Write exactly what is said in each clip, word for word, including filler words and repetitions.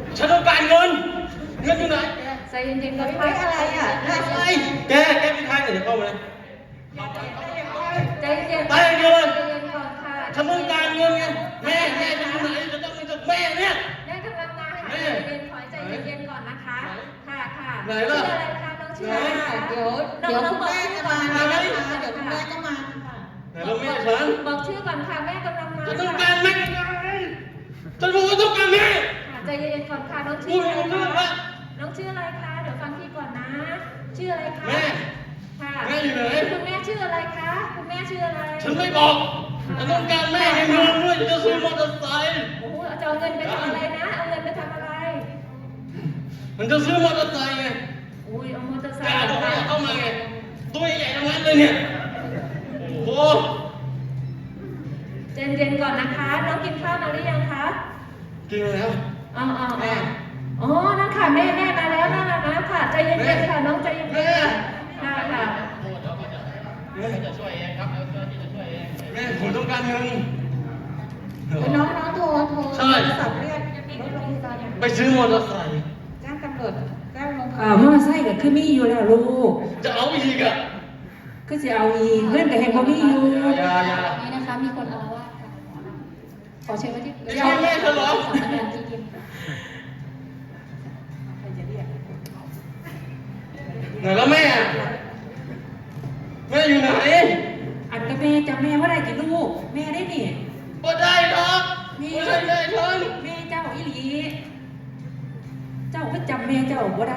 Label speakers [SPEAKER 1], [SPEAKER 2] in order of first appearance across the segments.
[SPEAKER 1] ฉันต้องการเงินเงินอยู่ไหน
[SPEAKER 2] ใจเย็นๆก่อน
[SPEAKER 3] ไม่อะไรอ่ะอะไร
[SPEAKER 1] แกแกเป็นใครเนี่ยเดี๋ยวเข้ามาเลย
[SPEAKER 2] ใจเย็นๆ
[SPEAKER 1] ไปเดี๋ยวเลย
[SPEAKER 2] ใจเย็นก่อนค่ะ
[SPEAKER 1] ฉันต้องการเงินไงแม่แม่จะอยู่ไหนจะต้องมีจากแม่เนี่ย
[SPEAKER 2] แม่กำลังมาค่ะ
[SPEAKER 1] แม่
[SPEAKER 2] ใจเย็นๆขอใจเย็นๆก่อนนะคะ ค่ะค่ะ
[SPEAKER 1] ไหนล่ะ
[SPEAKER 2] ชื่ออะไรคะน้องชื่ออะไรคะ
[SPEAKER 3] เดี๋ยวเดี๋ยวคุณแม่จะมาแล้วนะคะเดี๋ยวคุณแม่ก็มาค่ะ
[SPEAKER 1] ไหนแล้วแม่ฉัน
[SPEAKER 2] บอกชื่อก่อนค่ะแม่กำลังมา
[SPEAKER 1] ฉันต้องการแม่ฉันบอกว่าต้องการแม่
[SPEAKER 2] ค่ะใจเย็นๆก่อนค่ะน้อง
[SPEAKER 1] พู
[SPEAKER 2] ชื่
[SPEAKER 1] ด
[SPEAKER 2] อ
[SPEAKER 1] ไม่
[SPEAKER 2] อะไร
[SPEAKER 1] รู้เรื่อง
[SPEAKER 2] คะ
[SPEAKER 1] ละ
[SPEAKER 2] น้องชื่ออะไรคะเดี๋ยวฟังพี่ก่อนนะ ชื่ออะไรคะ
[SPEAKER 1] แม่
[SPEAKER 2] ค่ะ
[SPEAKER 1] แม่อยู่ไหน
[SPEAKER 2] คุณแม่ชื่ออะไรคะคุณแม่ชื่ออะไร
[SPEAKER 1] ฉันไม่บอกฉันต้องการแม่ในเงินด้วยจะซื้อมอเตอร์ไซค์
[SPEAKER 2] โอ้โหจะเอาเงินไปทำอะไรนะเอาเงินไปทำอะไร
[SPEAKER 1] มันจะซื้อมอเตอร์ไซค์ไง
[SPEAKER 2] อุ้ยเอามอเตอร์ไซ
[SPEAKER 1] แก
[SPEAKER 2] ค์
[SPEAKER 1] บอกว่าอย่าเข้ามาไงตัวใหญ่ทั้งนั้นเลยเนี่ยโอ้โห
[SPEAKER 2] เย็นๆก่อนนะคะ น้องกินข้าวมาหรือยังคะ
[SPEAKER 1] กินแล้ว
[SPEAKER 2] อ๋ออ๋ออ๋ออ๋อนั่นค่ะแม่แม่มาแล้วนั่นน่ะนะค่ะใจเย็นๆค่ะน้องใจเย็นๆค่ะค่ะค่ะ
[SPEAKER 1] แม่จะช่วยเองครับเจ้าที่จะช่วยเองแม่ผมต้องการเงิน
[SPEAKER 3] น้องน้องโทรโทร
[SPEAKER 1] ใช่
[SPEAKER 3] โทรศัพท์เรียกรถโรงพยาบาล
[SPEAKER 1] ไปซื้อมอเตอร์ไซค์
[SPEAKER 3] แจ้งตำรวจแจ้งโรงพยา
[SPEAKER 4] อ่า
[SPEAKER 3] บาล
[SPEAKER 4] มอไซค์ก็คือมีอยู่แล้วลูก
[SPEAKER 1] จะเอาอีกอ่ะ
[SPEAKER 4] คือสิเอาอีกเพื่อนก็เห็นบ่มีอยู่
[SPEAKER 1] อย่าอย่า
[SPEAKER 2] นี้นะคะมีคนอารวาสค่ะขอเชิญว่าที่
[SPEAKER 1] ไม่ใช่แม่เธอเหรอ
[SPEAKER 2] สำนักงานที่ดินค่ะ
[SPEAKER 3] ใครจะเรียก
[SPEAKER 1] ไหนแล้วแม่อะแม่อยู่ไหน
[SPEAKER 4] อันกับแม่จำแม่ว่าได้กี่ลูก แม่ได้นี่
[SPEAKER 1] บ่ได้หรอกไม่ใช่แม่ฉัน
[SPEAKER 4] แม่เจ้าอีหลี เจ้าก็จำแม่เจ้าบ่ได้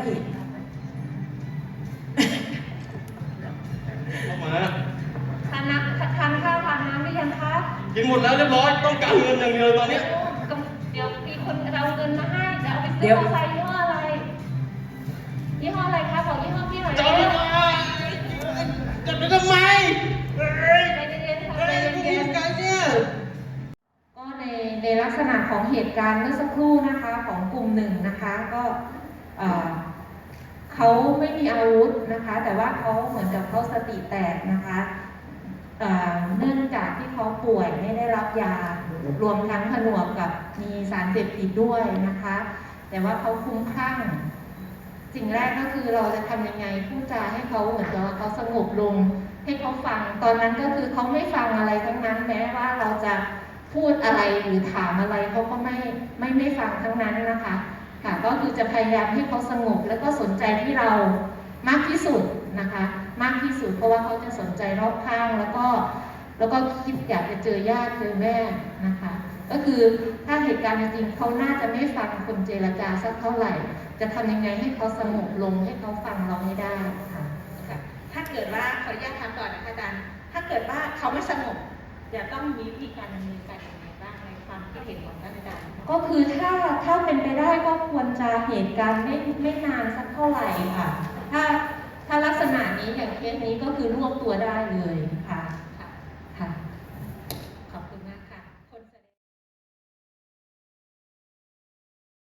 [SPEAKER 1] เข้ามา
[SPEAKER 2] ทานน้ำทานข้าวทานน้ำหรือยังคะ
[SPEAKER 1] กินหมดแล้วเรียบร้อยต้องการเงินอย่างเดียวตอนเนี้ย
[SPEAKER 2] เดี๋ยวมีคนเอาเงินมาให้จะเอาไปซื้อมอเตอร์ไซค์ยี่ห้ออะไรยี่ห้ออะไรคะบอกยี่ห้อพี่หน่อย
[SPEAKER 1] จะเอาไปทำไมจะไปทำไมเฮ้ย
[SPEAKER 2] ใจเย็นๆค่ะ
[SPEAKER 1] เฮ้
[SPEAKER 2] ใจ
[SPEAKER 1] ยพวก
[SPEAKER 2] เย็
[SPEAKER 1] นี้
[SPEAKER 2] นๆ
[SPEAKER 1] กันเนี่ย
[SPEAKER 2] ก็ในในลักษณะของเหตุการณ์เมื่อสักครู่นะคะของกลุ่มหนึ่งนะคะก็เอ่อเขาไม่มีอาวุธนะคะ แต่ว่าเขาเหมือนกับเขาสติแตกนะคะเอ่อเนื่องจากที่เขาป่วยไม่ได้รับยารวมทั้งผนวกกับมีสารเสพติดด้วยนะคะ แต่ว่าเขาคลุ้มคลั่งสิ่งแรกก็คือเราจะทำยังไงพูดจาให้เขาเหมือนกับว่าเขาสงบลงให้เขาฟังตอนนั้นก็คือเขาไม่ฟังอะไรทั้งนั้นแม้ว่าเราจะพูดอะไรหรือถามอะไรเขาก็ไม่ไม่ไม่ฟังทั้งนั้นนะคะค่ะก็คือจะพยายามให้เขาสงบแล้วก็สนใจที่เรามากที่สุดนะคะ มากที่สุดเพราะว่าเขาจะสนใจรอบข้างแล้วก็แล้วก็คิดอยากจะเจอญาติเจอแม่นะคะ ก็คือถ้าเหตุการณ์จริงๆเขาน่าจะไม่ฟังคนเจรจาสักเท่าไหร่ จะทำยังไงให้เขาสงบลงให้เขาฟังเราให้ได้ค่ะ
[SPEAKER 3] ค่ะถ้าเกิดว่าขออนุญาตถามก่อนนะคะอาจารย์ถ้าเกิดว่าเขาไม่สงบจะต้องมีวิธีการดำเนินการอย่างไรบ้างในความคิดเห็นของท่านอาจารย์
[SPEAKER 2] ก็คือถ้าถ้าเป็นไปได้ก็ควรจะเหตุการณ์ไม่ไม่นานสักเท่าไหร่ค่ะ ถ้าถ้าลักษณะนี้อย่างเคสนี้ก็คือรวบตัวได้เลยค่ะ